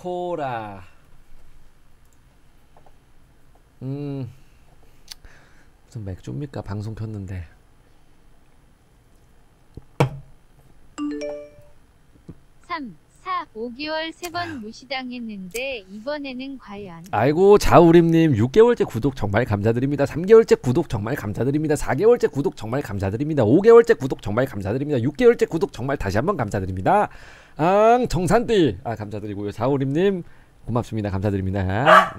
코라. 무슨 맥주입니까? 방송 켰는데. 3, 4, 5개월 3번 무시당했는데 이번에는 과연. 아이고 자우림님 6개월째 구독 정말 감사드립니다. 3개월째 구독 정말 감사드립니다. 4개월째 구독 정말 감사드립니다. 5개월째 구독 정말 감사드립니다. 6개월째 구독 정말 다시 한번 감사드립니다. 정산띠 감사드리고요. 자우림님 고맙습니다. 감사드립니다.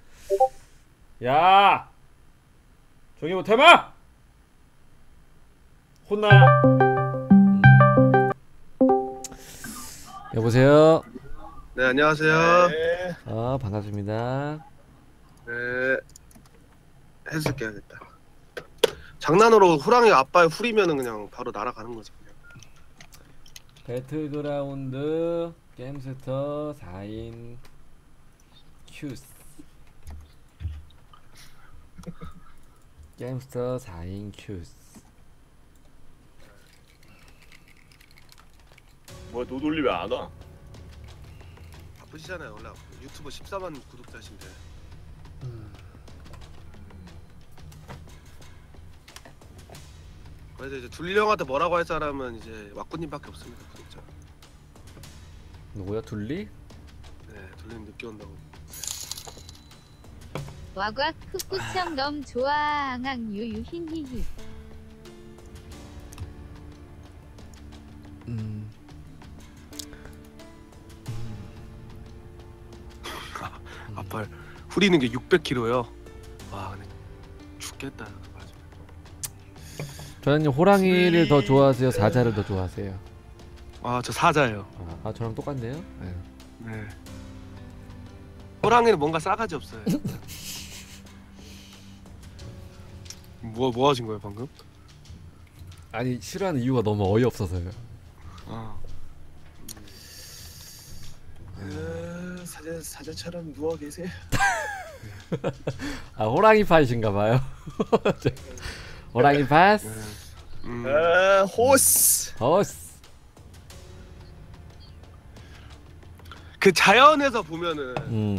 야 조용히 못해봐. 혼나. 여보세요. 네, 안녕하세요. 네. 반갑습니다. 네, 해줄게 야겠다. 장난으로 호랑이 아빠의 훌이면은 그냥 바로 날아가는 거지 그냥. 배틀그라운드 게임스터 4인 큐스. 게임스터 4인 큐스. 뭐야 노돌리 왜 안 와? 바쁘시잖아요. 원래 유튜브 14만 구독자신데. 그래서 이제 둘리 형한테 뭐라고 할 사람은 이제 왁구님밖에 없습니다. 구독자. 누구야? 둘리? 네, 둘리는 늦게 온다고. 와과 흑구청 넘 좋아 앙앙 유유 흰히히. 아빠 후리는 게 600kg요. 와, 근데 죽겠다. 맞아. 저는 호랑이를 더 좋아하세요? 사자를 더 좋아하세요? 저 사자예요. 저랑 똑같네요. 네. 네. 호랑이는 뭔가 싸가지 없어요. 뭐 하신 거예요 방금? 아니 싫어하는 이유가 너무 어이없어서요. 사자처럼 누워 계세요. 호랑이 파이신가봐요. 호랑이 파스. 호스. 호스. 그 자연에서 보면은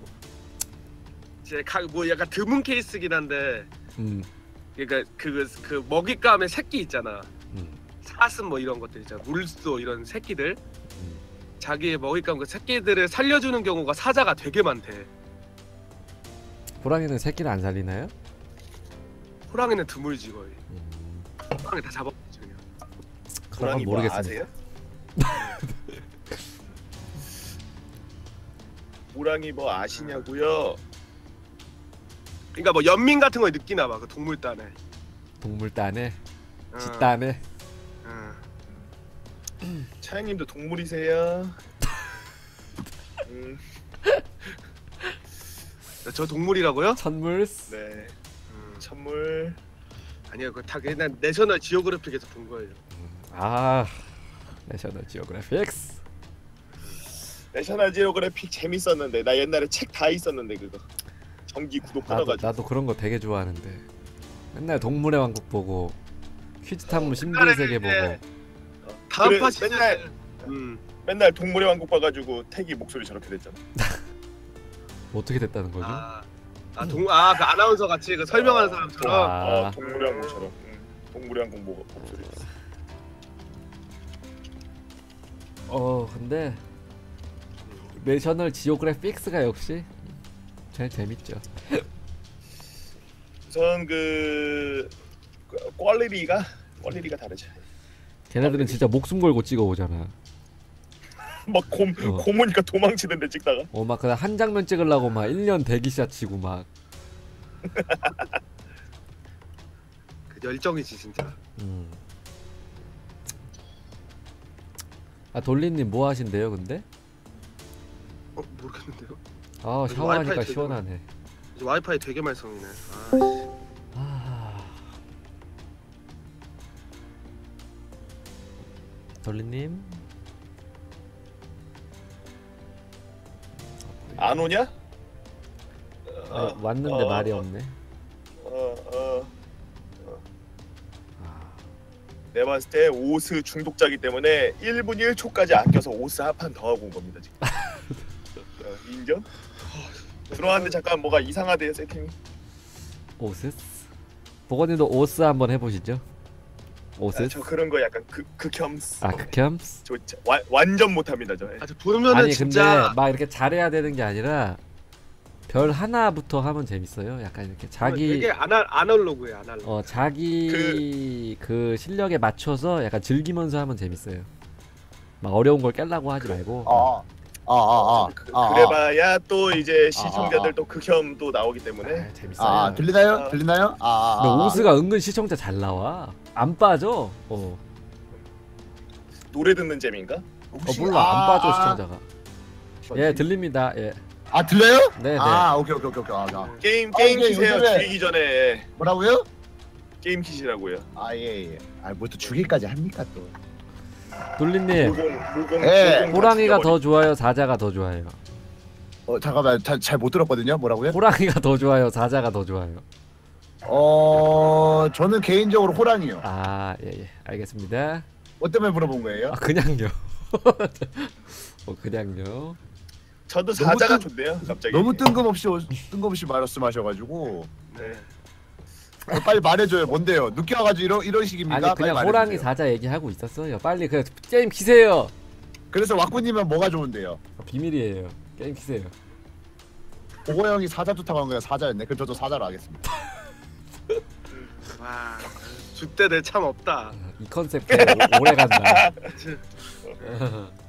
이제 뭐 약간 드문 케이스긴 한데, 그러니까 그 먹잇감의 새끼 있잖아. 사슴 뭐 이런 것들 있잖아. 물소 이런 새끼들. 자기의 먹잇감 그 새끼들을 살려주는 경우가 사자가 되게 많대. 호랑이는 새끼를 안 살리나요? 호랑이는 드물지 거의. 호랑이 다 잡아먹지 그냥. 그런 건 모르겠습니다. 아세요? 호랑이 뭐 아시냐고요? 그러니까 뭐 연민 같은 걸 느끼나 봐. 그 동물단에. 동물단에, 집단에. 차영님도 동물이세요? 저 동물이라고요? 천물스. 네. 천물. 아니요, 그거 다 그냥 내셔널 지오그래픽에서 본 거예요. 내셔널 지오그래픽스. 내셔널 지오그래픽 재밌었는데 나 옛날에 책 다 있었는데 그거 정기 구독 끊어가지고. 나도 그런 거 되게 좋아하는데 맨날 동물의 왕국 보고 퀴즈 탐험 신비의 세계 보고. 다음 그래, 파시 맨날 동물의 왕국 봐가지고 태기 목소리 저렇게 됐잖아. 어떻게 됐다는 거죠? 그 아나운서 같이 그 설명하는 사람처럼. 동물의 왕국처럼. 동물의 왕국 목소리. 근데 내셔널 지오그래픽스가 역시 제일 재밌죠. 우선 그 퀄리티가 다르죠. 걔네들은 진짜 목숨 걸고 찍어오잖아. 막 고모니까 도망치던데 찍다가. 막 그냥 한 장면 찍으려고 막 1년 대기샷 치고 막. 그 열정이지 진짜. 돌리님 뭐 하신대요 근데? 모르겠는데요. 샤워하니까 와이파이 시원하네. 이제 와이파이 되게 말썽이네. 돌리님 안 오냐? 왔는데 말이 없네. 내가 봤을 때 오스 중독자기 때문에 1분 1초까지 아껴서 오스 한 판 더 하고 온 겁니다 지금. 인정? 들어왔는데 잠깐 뭐가 이상하대요 세팅이. 오스스. 보건님도 오스 한번 해보시죠. 오스스. 저 그런 거 약간 극혐스. 아 극혐스. 저 완전 못합니다 저. 아, 저 보면은 아니 진짜 근데 막 이렇게 잘해야 되는 게 아니라 별 하나부터 하면 재밌어요. 약간 이렇게 자기 되게 아날로그예요, 아날로그. 자기 그 실력에 맞춰서 약간 즐기면서 하면 재밌어요. 막 어려운 걸 깨려고 하지 말고. 그래봐야 또 이제 시청자들 또 극혐 또 나오기 때문에. 재밌어요. 들리나요? 들리나요? 근데 오스가 은근 시청자 잘 나와. 안 빠져. 노래 듣는 재미인가? 몰라 안 빠져 시청자가. 예 들립니다. 예. 들려요? 네네. 오케이. 게임 이게 키세요. 요즘에- 죽이기 전에 뭐라고요? 게임 키시라고요. 예. 뭐 또 주기까지 합니까 또? 돌리님 물공 예. 호랑이가 더 좋아요 사자가 더 좋아요? 잠깐만 잘 못 들었거든요. 뭐라고요? 호랑이가 더 좋아요 사자가 더 좋아요? 저는 개인적으로 호랑이요. 예 알겠습니다. 뭐 때문에 물어본 거예요? 그냥요. 그냥요. 저도 너무 사자가 좋네요. 갑자기. 너무 뜬금없이 말씀하셔가지고 네. 빨리 말해줘요. 뭔데요? 늦게 와가지고 이런 식입니까? 아니 그냥 빨리 호랑이 말해주세요. 사자 얘기하고 있었어요. 빨리 그 게임 키세요. 그래서 왁구님은 뭐가 좋은데요? 비밀이에요. 게임 키세요. 보고 형이 사자 좋다고 한 거야. 사자였네. 그럼 저도 사자로 하겠습니다. 와, 줏대들 참 없다. 이 컨셉 오래 간다.